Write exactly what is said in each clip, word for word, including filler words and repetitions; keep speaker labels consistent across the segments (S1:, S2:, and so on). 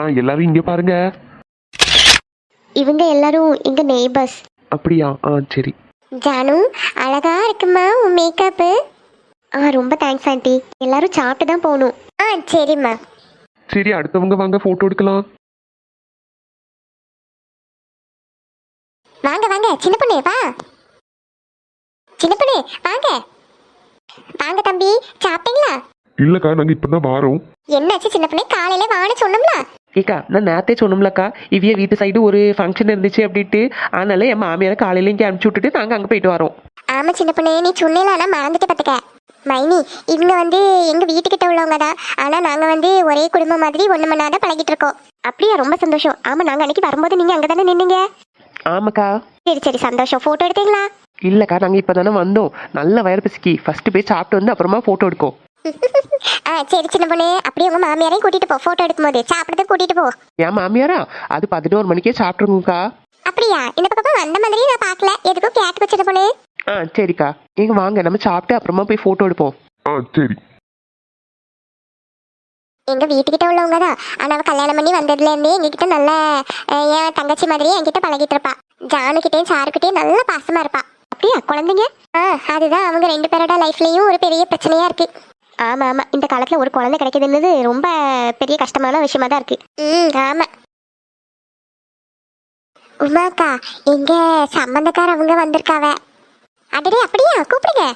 S1: எல்லாரும் இங்க பாருங்க.
S2: இவங்க எல்லாரும் எங்க நெய்பர்ஸ்.
S1: அப்படியா? ஆ சரி.
S2: ஜானு அழகா இருக்குமா உன் மேக்கப்பு. ஆ ரொம்ப தேங்க்ஸ் ஆண்டி. எல்லாரும் சாப்பிட்டு தான் போகணும். ஆ சரிம்மா.
S1: சரி, அடுத்தவங்க வாங்க போட்டோ எடுக்கலாம்.
S2: வாங்க வாங்க சின்ன பொண்ணு வா. சின்ன பொண்ணு வாங்க. வாங்க தம்பி, சாப்பிட்டீங்களா?
S1: இல்லக்கா, நாங்க இப்பதான் வாரோம்.
S2: என்னாச்சு சின்ன பொண்ணு, காலையில வான்னு சொன்னோம்ல.
S3: ஏக்கா, நான் நேரத்தே சொன்னோம்லக்கா, இவ்விய வீட்டு சைடு ஒரு ஃபங்க்ஷன் இருந்துச்சு அப்படின்ட்டு. அதனால என் மாமியாரை காலையில இங்கே அனுப்பிச்சி விட்டுட்டு நாங்கள் அங்கே போயிட்டு வரோம்.
S2: ஆமா சின்ன பொண்ணு, நீ சொன்னேல ஆனா மறந்துட்டு பார்த்துக்க. மைனி இவங்க வந்து எங்க வீட்டுக்கிட்ட உள்ளவங்க தான். ஆனா நாங்க வந்து ஒரே குடும்பம் மாதிரி ஒண்ணு மணி நேரம் பழகிட்டு இருக்கோம். அப்படியா? ரொம்ப சந்தோஷம். ஆமா, நாங்க அன்னைக்கு வரும்போது நீங்க அங்கதானே நின்னீங்க.
S3: ஆமாக்கா.
S2: சரி சரி சந்தோஷம். போட்டோ எடுத்தீங்களா?
S3: இல்லக்கா, நாங்கள் இப்போ தானே வந்தோம். நல்ல வயர் பிசுக்கி ஃபர்ஸ்ட் போய் சாப்பிட்டு வந்து அப்புறமா ஃபோட்டோ எடுக்கோம்.
S2: ஆ சரி சின்ன பொண்ணு, அப்படியே உங்க மாமியாரையும் கூட்டிட்டு போ. போட்டோ எடுக்கும்போது சாப்பிடுறதுக்கு கூட்டிட்டு போ.
S3: என் மாமியாரா அது பதினோரு மணிக்கே சாப்பிட்ருங்கக்கா.
S2: அப்படியா? இந்த பக்கம் வந்த மாதிரி நான் பார்க்கல, எதுக்கும் கேட்டு சின்ன பொண்ணு.
S3: ஆ சரிக்கா, எங்க வாங்க நம்ம சாப்பிட்டு அப்புறமா போய் ஃபோட்டோ எடுப்போம்.
S1: ஆ சரி.
S2: எங்க வீட்டுக்கிட்ட உள்ளவங்க தான். ஆனா அவ கல்யாணம் பண்ணி வந்ததுல இருந்தே எங்ககிட்ட நல்ல என் தங்கச்சி மாதிரியே என்கிட்ட பழகிட்டு இருப்பா. ஜானுக்கிட்டையும் சாருக்கிட்டையும் நல்ல பாசமா இருப்பா. அப்படியா? குழந்தைங்க? ஆ அதுதான் அவங்க ரெண்டு பேரோட லைஃப்லயும் ஒரு பெரிய பிரச்சனையா இருக்கு. ஆமா ஆமா, இந்த காலத்துல ஒரு குழந்தை கிடைக்குதுன்றது ரொம்ப பெரிய கஷ்டமான விஷயமா தான் இருக்கு. ம் ஆமா. உமாக்கா, எங்க சம்பந்தக்கார அவங்க வந்திருக்காவ. அடடே அப்படியா? கூப்பிடுங்க.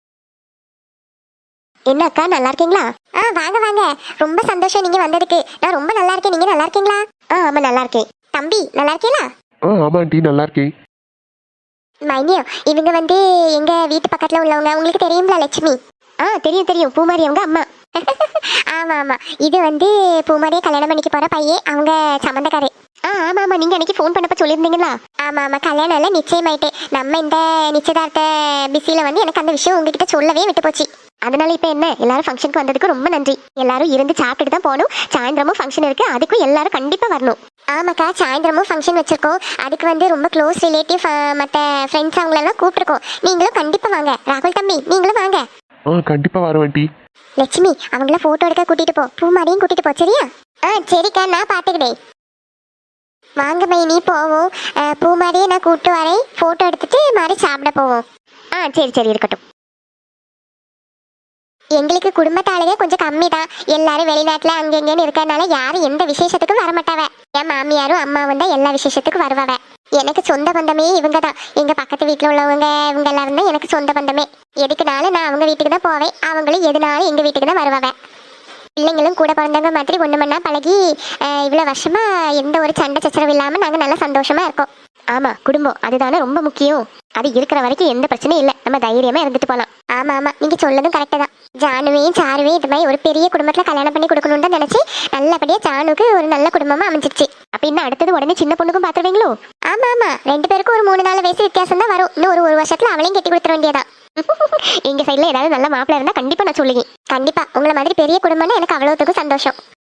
S2: என்ன அக்கா, நல்லா இருக்கீங்களா? ஆ வாங்க வாங்க, ரொம்ப சந்தோஷம் நீங்க வந்ததுக்கு. நான் ரொம்ப நல்லா இருக்கேன், நீங்க நல்லா இருக்கீங்களா? ஆ ஆமா நல்லா இருக்கேன். தம்பி நல்லா இருக்கீங்களா?
S1: ஆ ஆமா ஆண்டி, நல்லா இருக்கேன்.
S2: மைனியோ, இவங்க வந்து எங்க வீட்டு பக்கத்துல உள்ளவங்க. உங்களுக்கு தெரியுங்களா லட்சுமி? ஆ தெரியும் தெரியும், பூமாரி அவங்க அம்மா. ஆமா ஆமா, இது வந்து பூமாரியை கல்யாணம் பண்ணிக்க போற பையன், அவங்க சம்பந்தக்காரே. ஆ ஆமா ஆமா, நீங்க அன்னைக்கு ஃபோன் பண்ணப்ப சொல்லியிருந்தீங்களா? ஆமா ஆமா, கல்யாணம் எல்லாம் நிச்சயமாயிட்டு. நம்ம இந்த நிச்சயதார்த்த பிஸியில வந்து எனக்கு அந்த விஷயம் உங்ககிட்ட சொல்லவே விட்டு போச்சு. அதனால இப்ப என்ன, எல்லாரும் ஃபங்க்ஷனுக்கு வந்ததுக்கு ரொம்ப நன்றி. எல்லாரும் இருந்து சாப்பிட்டுட்டு தான் போகணும். சாயந்தரமும் ஃபங்க்ஷன் இருக்கு, அதுக்கும் எல்லாரும் கண்டிப்பா வரணும். ஆமாக்கா, சாயந்தரமும் ஃபங்க்ஷன் வச்சிருக்கோம். அதுக்கு வந்து ரொம்ப க்ளோஸ் ரிலேட்டிவ் மற்ற ஃப்ரெண்ட்ஸ் அவங்களெல்லாம் கூப்பிட்டுருக்கோம். நீங்களும் கண்டிப்பா வாங்க. ராகுல் தம்பி நீங்களும் வாங்க.
S1: ஆ கண்டிப்பா வரேன் ஆண்டி.
S2: லட்சுமி அவங்கள போட்டோ எடுக்க கூட்டிட்டு போ. பூமாரியும் கூட்டிட்டு போ சரியா? ஆ சரிக்கா, நான் பாத்துக்கிட்டேன். வாங்க மைனி போவோம். பூமாரியை நான் கூப்பிட்டு வரேன். போட்டோ எடுத்துட்டு மாதிரி சாப்பிட போவோம். ஆ சரி சரி இருக்கட்டும். எங்களுக்கு குடும்பத்தாலேயே கொஞ்சம் கம்மி தான். எல்லாரும் வெளிநாட்டுல அங்கெங்கன்னு இருக்கிறதுனால யாரும் எந்த விசேஷத்துக்கும் வரமாட்டாவ. என் மாமியாரும் அம்மாவும் தான் எல்லா விசேஷத்துக்கும் வருவாவ. எனக்கு சொந்த பந்தமே இவங்க தான். எங்க பக்கத்து வீட்டுல உள்ளவங்க இவங்க எல்லாரும் தான் எனக்கு சொந்த பந்தமே. எதுக்குனாலும் நான் அவங்க வீட்டுக்கு தான் போவேன், அவங்களும் எதுனாலும் எங்க வீட்டுக்கு தான் வருவாவ. பிள்ளைங்களும் கூட பிறந்தவங்க மாதிரி ஒண்ணு மண்ணா பழகி இவ்வளவு வருஷமா எந்த ஒரு சண்டை சச்சரவு இல்லாம நாங்க நல்லா சந்தோஷமா இருக்கோம். ஆமா, குடும்பம் அதுதானே ரொம்ப முக்கியம். அது இருக்கிற வரைக்கும் எந்த பிரச்சனையும் இல்லை, நம்ம தைரியமா இருந்துட்டு போலாம். ஆமா ஆமா, நீங்க சொல்லதும் கரெக்டா தான். ஜானுவையும் சாருவையும் இது மாதிரி ஒரு பெரிய குடும்பத்துல கல்யாணம் பண்ணி கொடுக்கணும்னு தான் நினைச்சு நல்லபடியா ஜானுக்கு ஒரு நல்ல குடும்பமா அமைஞ்சிருச்சு. அப்ப இன்னும் அடுத்தது உடனே சின்ன பொண்ணுக்கும் பாத்துருவீங்களோ? ஆமா ஆமா, ரெண்டு பேருக்கும் ஒரு மூணு நாலு வயசு வித்தியாசம் தான் வரும். இன்னும் ஒரு ஒரு வருஷத்துல அவளையும் கட்டி கொடுத்துட வேண்டியதான். எங்க சைட்ல ஏதாவது நல்ல மாப்பிள்ள இருந்தா கண்டிப்பா நான் சொல்லுங்க. கண்டிப்பா உங்களை மாதிரி பெரிய குடும்பம்னா எனக்கு அவ்வளவுத்துக்கும் சந்தோஷம்.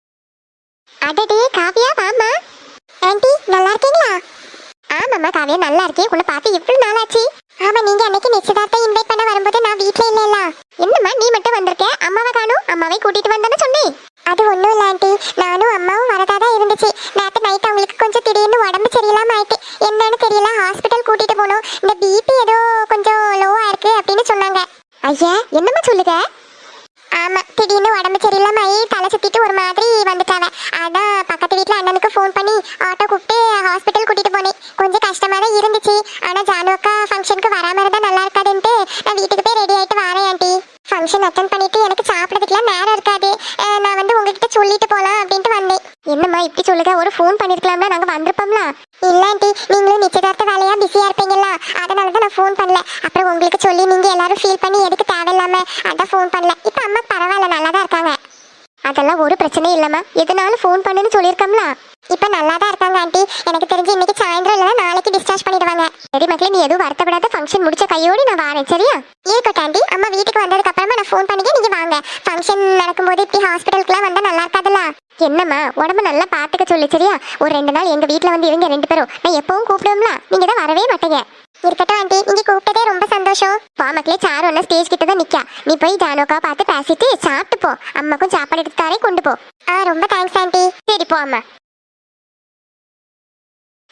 S2: அடடே காவியா வாமா. ஆண்டி நல்லா இருக்கீங்களா? ஆமாம்மா காவியா நல்லா இருக்கேன். உன்னை பார்த்து எவ்வளவு நாளாச்சு. ஆமா, நீங்க அன்னைக்கு நிச்சயதார்த்தம் இன்வைட் பண்ண வரும்போது நான் வீட்டுல இல்ல. என்னம்மா நீ மட்டும் வந்திருக்க, அம்மாவை காணும்? அம்மாவை கூட்டிட்டு வந்தேன்னு சொன்னேன். அது ஒண்ணும் இல்ல ஆண்டி, நானும் அம்மாவும் வரதா தான் இருந்துச்சு. நேற்று நைட் அவங்களுக்கு கொஞ்சம் திடீர்னு உடம்பு சரியில்லாம ஆயிட்டு. என்னன்னு தெரியல, ஹாஸ்பிட்டல் கூட்டிட்டு போனோம். இந்த பிபி ஏதோ கொஞ்சம் லோவா இருக்கு அப்படின்னு சொன்னாங்க. ஐயா என்னம்மா சொல்லுங்க? ஆமா, திடீர்னு உடம்பு சரியில்லாம ஆகி தலை சுத்திட்டு ஒரு மாதிரி வந்துட்டாங்க. அதான் பக்கத்து வீட்டுல அண்ணனுக்கு ஃபோன் பண்ணி ஆட்டோ கூப்பிட்டு ஹாஸ்பிட்டல் கூட்டிட்டு போனேன். கொஞ்சம் கஷ்டமா தான் இருந்துச்சு. ஆனா ஜானு அக்கா ஃபங்க்ஷனுக்கு வராம இருந்தா நல்லா இருக்காதுன்ட்டு நான் வீட்டுக்கு போய் ரெடி ஆயிட்டு வரேன் ஆண்டி. ஃபங்க்ஷன் அட்டன் பண்ணிட்டு எனக்கு சாப்பிடறதுக்குலாம் நேரம் இருக்காது. நான் வந்து உங்ககிட்ட சொல்லிட்டு போலாம் அப்படின்ட்டு வந்தேன். என்னம்மா இப்படி சொல்லுங்க, ஒரு ஃபோன் பண்ணிருக்கலாம்ல, நாங்க வந்திருப்போம்ல. இல்ல ஆண்டி, நீங்களும் நிச்சயதார்த்த வேலையா பிஸியா இருப்பீங்களா, அதனாலதான் நான் ஃபோன் பண்ணல. அப்புறம் உங்களுக்கு சொல்லி நீங்க எல்லாரும் ஃபீல் பண்ணி எதுக்கு தேவையில்லாம அதான் ஃபோன் பண்ணல. இப்ப அம்மா பரவாயில்ல, நல்லா தான் இருக்காங்க. அதெல்லாம் ஒரு பிரச்சனையும் இல்லம்மா, எதுனாலும் ஃபோன் பண்ணுன்னு சொல்லியிருக்கோம்ல. இப்ப நல்லா தான் இருக்காங்க ஆண்டி. எனக்கு தெரிஞ்சு இன்னைக்கு சாயந்தரம் இல்லைன்னா நாளைக்கு டிஸ்சார்ஜ் பண்ணிடுவாங்க. சரி மக்களே, நீ எதுவும் வருத்தப்படாத, ஃபங்க்ஷன் முடிச்ச கையோடு நான் வரேன் சரியா? இருக்கட்டும் ஆண்டி, அம்மா வீட்டுக்கு வந்ததுக்கு அப்புறமா நான் ஃபோன் பண்ணிக்க, நீங்க வாங்க. ஃபங்க்ஷன் நடக்கும்போது இப்படி ஹாஸ்பிட்டலுக்குலாம் வந்தா நல்லா இருக்காதுல்ல. என்னம்மா உடம்பு நல்லா பாத்துக்க சொல்லு சரியா? ஒரு ரெண்டு நாள் எங்க வீட்டுல வந்து இருங்க ரெண்டு பேரும். நான் எப்பவும் கூப்பிடுவோம்ல, நீங்க தான் வரவே மாட்டீங்க. இருக்கட்டும் ஆண்டி, நீங்க கூப்பிட்டதே ரொம்ப சந்தோஷம். வா மக்களே, சாரு ஒன்னா ஸ்டேஜ் கிட்ட தான் நிக்கா. நீ போய் ஜானோக்கா பார்த்து பேசிட்டு சாப்பிட்டு போ. அம்மாக்கும் சாப்பாடு எடுத்து தாரே, கொண்டு போ. ஆ ரொம்ப தேங்க்ஸ் ஆண்டி. சரி போ அம்மா.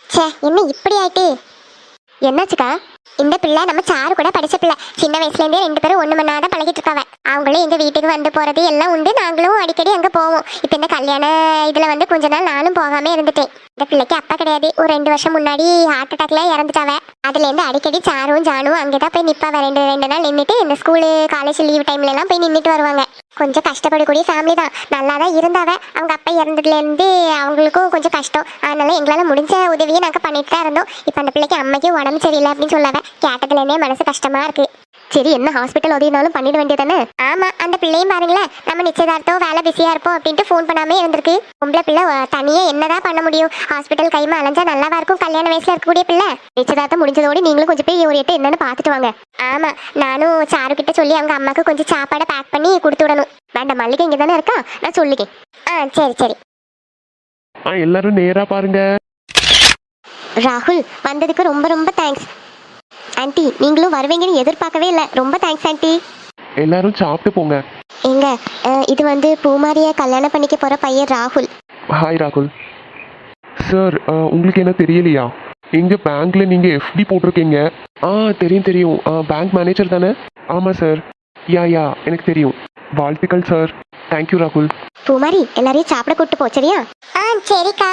S2: ச்சே என்ன இப்படி ஆயிட்டு. என்னாச்சுக்கா? இந்த பிள்ளை நம்ம சாரு கூட படிச்ச பிள்ளை. சின்ன வயசுல இருந்தே ரெண்டு பேரும் ஒண்ணு மண்ணாதான் பழகிட்டு இருக்காவ. அவங்களும் எங்க வீட்டுக்கு வந்து போறது எல்லாம் உண்டு. நாங்களும் அடிக்கடி அங்க போவோம். இப்ப இந்த கல்யாண இதுல வந்து கொஞ்ச நாள் நானும் போகாம இருந்துட்டேன். இந்த பிள்ளைக்கு அப்பா கிடையாது. ஒரு ரெண்டு வருஷம் முன்னாடி ஹார்ட் அட்டாக்ல இறந்துட்டாவ. அதுல இருந்து அடிக்கடி சாரும் ஜானும் அங்கதான் போய் நிப்பாவ. ரெண்டு ரெண்டு நாள் நின்றுட்டு இந்த ஸ்கூலு காலேஜ் லீவ் டைம்ல எல்லாம் போய் நின்றுட்டு வருவாங்க. கொஞ்சம் கஷ்டப்படக்கூடிய ஃபேமிலி தான். நல்லா தான் இருந்தாவ. அவங்க அப்பா இறந்ததுல இருந்து அவங்களுக்கும் கொஞ்சம் கஷ்டம். அதனால எங்களால முடிஞ்ச உதவியை நாங்க பண்ணிட்டு தான் இருந்தோம். இப்ப அந்த பிள்ளைக்கு அம்மைக்கு உடம்பு சரியில்லை அப்படின்னு சொல்லாவ. கேட்டதுல இருந்தே மனசு கஷ்டமா இருக்கு. சரி என்ன ஹாஸ்பிட்டல் உதவினாலும் பண்ணிட வேண்டியதானே? ஆமா அந்த பிள்ளையும் பாருங்களேன், நம்ம நிச்சயதார்த்தம் வேலை பிஸியா இருப்போம் அப்படின்ட்டு ஃபோன் பண்ணாமே இருந்திருக்கு. பொம்பளை பிள்ளை தனியே என்னதான் பண்ண முடியும்? ஹாஸ்பிட்டல் கைமா அலைஞ்சா நல்லாவா இருக்கும்? கல்யாண வயசுல இருக்கக்கூடிய பிள்ளை. நிச்சயதார்த்தம் முடிஞ்சதோடு நீங்களும் கொஞ்சம் போய் ஒரு எட்டு என்னன்னு பாத்துட்டு வாங்க. ஆமா நானும் சாரு கிட்ட சொல்லி அவங்க அம்மாக்கு கொஞ்சம் சாப்பாடை பேக் பண்ணி கொடுத்து விடணும். வேண்டாம் மல்லிகை இங்க தானே இருக்கா, நான் சொல்லிக்கேன். ஆ சரி சரி.
S1: ஆ எல்லாரும் நேரா பாருங்க.
S2: ராகுல் வந்ததுக்கு ரொம்ப ரொம்ப தேங்க்ஸ். ஆன்ட்டி நீங்களும் வருவீங்கன்னு எதிர்பார்க்கவே இல்லை. ரொம்ப தேங்க்ஸ் ஆன்ட்டி.
S1: எல்லாரும் சாப்பிட்டு போங்க.
S2: எங்க அஹ், இது வந்து பூமாரிய கல்யாணம் பண்ணிக்க போற பையன் ராகுல்.
S1: ஹாய் ராகுல் சார். உங்களுக்கு என்ன தெரியலையா? எங்க பேங்க்ல நீங்க எஃப்டி போட்டிருக்கீங்க. ஆ தெரியும் தெரியும். பேங்க் மேனேஜர் தானே? ஆமாம் சார். யா யா எனக்கு தெரியும். வாழ்த்துக்கள் சார். தேங்க்யூ ராகுல்.
S2: பூமாரி எல்லாரையும் சாப்பிட கூட்டு போ சரியா? ஆ சரிக்கா.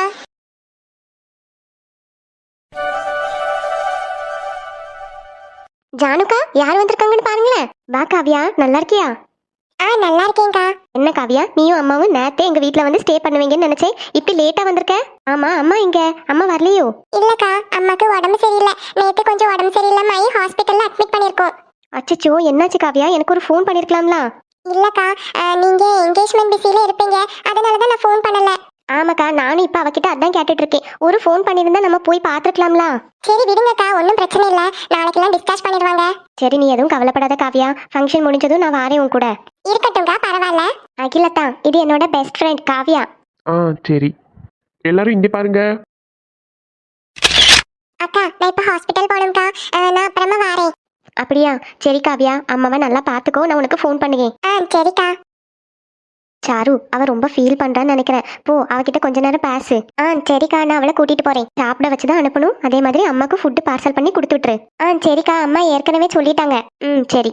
S2: ஜானுக்கா யார் வந்திருக்காங்கன்னு பாருங்களேன். வா காவியா, நல்லா இருக்கியா? ஆ நல்லா இருக்கேன்க்கா. என்ன காவியா நீயும் அம்மாவும் நேத்தே எங்க வீட்ல வந்து ஸ்டே பண்ணுவீங்கன்னு நினைச்சேன். இப்படி லேட்டா வந்திருக்க. ஆமா அம்மா எங்க? அம்மா வரலையோ? இல்லக்கா அம்மாக்கு உடம்பு சரியில்லை. நேத்து கொஞ்சம் உடம்பு சரியில்லாம ஆகி ஹாஸ்பிட்டல்ல அட்மிட் பண்ணிருக்கோம். அச்சச்சோ என்னாச்சு காவியா? எனக்கு ஒரு ஃபோன் பண்ணிருக்கலாம்ல. இல்லக்கா நீங்க என்கேஜ்மெண்ட் பிஸில இருப்பீங்க, அதனால தான் நான் ஃபோன் பண்ணல. ஆமாக்கா நானும் இப்ப அவகிட்ட அதான் கேட்டுட்டு இருக்கேன். ஒரு ஃபோன் பண்ணிருந்தா நம்ம போய் பாத்துக்கலாம்ல. சரி விடுங்கக்கா ஒன்றும் பிரச்சனை இல்லை. நாளைக்கெல்லாம் டிஸ்கஸ் பண்ணிடுவாங்க. சரி நீ எதுவும் கவலைப்படாத காவியா. ஃபங்க்ஷன் முடிஞ்சதும் நான் வாரேன் உன் கூட. இருக்கட்டும்க்கா பரவாயில்ல. அகிலத்தா இது என்னோட பெஸ்ட் ஃப்ரெண்ட் காவியா.
S1: ஆ சரி. எல்லாரும் இங்கே பாருங்க.
S2: அக்கா நான் இப்ப ஹாஸ்பிட்டல் போகணும்க்கா. நான் அப்புறமா வரேன். அப்படியா? சரி காவியா அம்மாவை நல்லா பாத்துக்கோ. நான் உனக்கு ஃபோன் பண்ணுவேன். ஆ சரிக்கா. சாரு அவ ரொம்ப ஃபீல் பண்றான்னு நினைக்கிறேன். போ அவகிட்ட கொஞ்ச நேரம் பேசு. ஆ சரிக்கா நான் அவளை கூட்டிட்டு போறேன். சாப்பிட வச்சுதான் அனுப்பணும். அதே மாதிரி அம்மாக்கு ஃபுட்டு பார்சல் பண்ணி கொடுத்து விட்டுரு. ஆ சரிக்கா அம்மா ஏற்கனவே சொல்லிட்டாங்க. ம் சரி.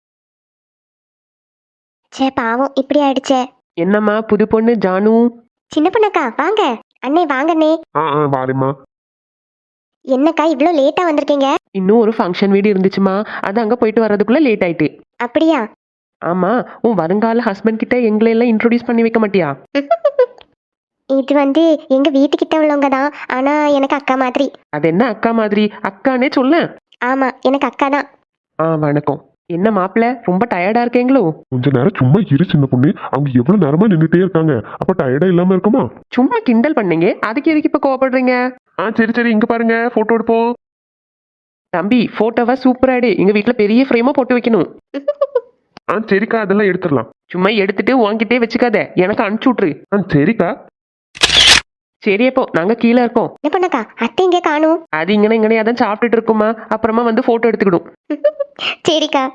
S2: சே பாவம் இப்படி ஆயிடுச்சே.
S3: என்னம்மா புது பொண்ணு ஜானு?
S2: சின்ன பொண்ணக்கா வாங்க. அண்ணே வாங்க அண்ணே.
S1: ஆ ஆ வாரேம்மா.
S2: என்னக்கா இவ்வளோ லேட்டா வந்திருக்கீங்க?
S3: இன்னும் ஒரு ஃபங்க்ஷன் வீடு இருந்துச்சுமா, அது அங்கே போயிட்டு வர்றதுக்குள்ள லேட் ஆயிட்டு.
S2: அப்படியா?
S3: ஆமா உன் வருங்கால ஹஸ்பண்ட் கிட்ட எங்களை எல்லாம் இன்ட்ரோடியூஸ் பண்ணி வைக்க மாட்டியா?
S2: இது வந்து எங்க வீட்டுக்கிட்ட உள்ளவங்க தான். ஆனா எனக்கு அக்கா மாதிரி.
S3: அது என்ன அக்கா மாதிரி? அக்கானே சொல்ல.
S2: ஆமா எனக்கு அக்கா தான்.
S3: ஆ வணக்கம். என்ன மாப்பிள்ள ரொம்ப டயர்டா இருக்கீங்களோ?
S1: கொஞ்ச நேரம் சும்மா இரு சின்ன பொண்ணு. அவங்க எவ்வளவு நேரமா நின்றுட்டே இருக்காங்க. அப்ப டயர்டா இல்லாம இருக்குமா?
S3: சும்மா கிண்டல் பண்ணீங்க, அதுக்கு எதுக்கு இப்ப கோவப்படுறீங்க?
S1: ஆ சரி சரி இங்க பாருங்க, போட்டோ எடுப்போம்.
S3: தம்பி போட்டோவா சூப்பரா எடு. எங்க வீட்டுல பெரிய ஃப்ரேமா போட்டு வைக்கணும்.
S1: ஆ சரிக்கா அதெல்லாம் எடுத்துடலாம்.
S3: சும்மா எடுத்துட்டு உன்கிட்டே வச்சுக்காத, எனக்கு அனுப்பிச்சு விட்ரு.
S1: ஆ சரிக்கா.
S3: சரி அப்போ நாங்க கீழே இருக்கோம்.
S2: என்ன பண்ணக்கா அத்தை இங்கே காணும்?
S3: அது இங்கன இங்கனே அதான் சாப்பிட்டுட்டு இருக்குமா, அப்புறமா வந்து போட்டோ எடுத்துக்கிடும்.
S2: சரிக்கா.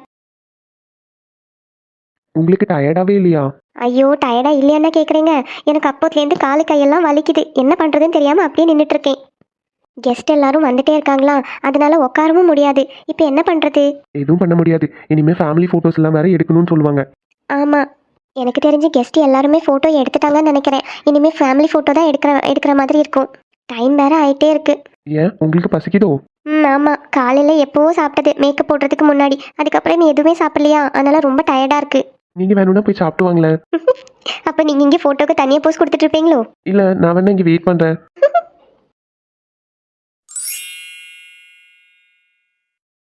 S1: உங்களுக்கு டயர்டாவே இல்லையா?
S2: ஐயோ டயர்டா இல்லையான்னா கேக்குறீங்க? எனக்கு அப்போத்துலேருந்து காலு கையெல்லாம் வலிக்குது. என்ன பண்றதுன்னு தெரியாம அப்படியே நின்றுட்டு இருக்கேன். கெஸ்ட் எல்லாரும் வந்துட்டே இருக்காங்களா, அதனால உட்காரவும் முடியாது. இப்போ என்ன பண்றது?
S1: எதுவும் பண்ண முடியாது. இனிமே ஃபேமிலி போட்டோஸ் எல்லாம் வேற எடுக்கணும்னு சொல்லுவாங்க.
S2: ஆமா எனக்கு தெரிஞ்சு கெஸ்ட் எல்லாருமே ஃபோட்டோ எடுத்துட்டாங்கன்னு நினைக்கிறேன். இனிமேல் ஃபேமிலி ஃபோட்டோ தான் எடுக்கிற எடுக்கிற மாதிரி இருக்கும். டைம் வேற ஆயிட்டே இருக்கு.
S1: ஏன் உங்களுக்கு பசிக்குதோ?
S2: ம் ஆமாம் காலையில் எப்போவோ சாப்பிட்டது மேக்கப் போடுறதுக்கு முன்னாடி. அதுக்கப்புறம் நீ எதுவுமே சாப்பிடலையா, அதனால ரொம்ப டயர்டாக இருக்கு.
S1: நீங்க வேணும்னா போய் சாப்பிட்டு வாங்களேன்.
S2: அப்போ நீங்கள் இங்கே ஃபோட்டோக்கு தனியாக போஸ்ட் கொடுத்துட்டு இருப்பீங்களோ?
S1: இல்ல நான் வேணா இங்க வெயிட் பண்றேன்.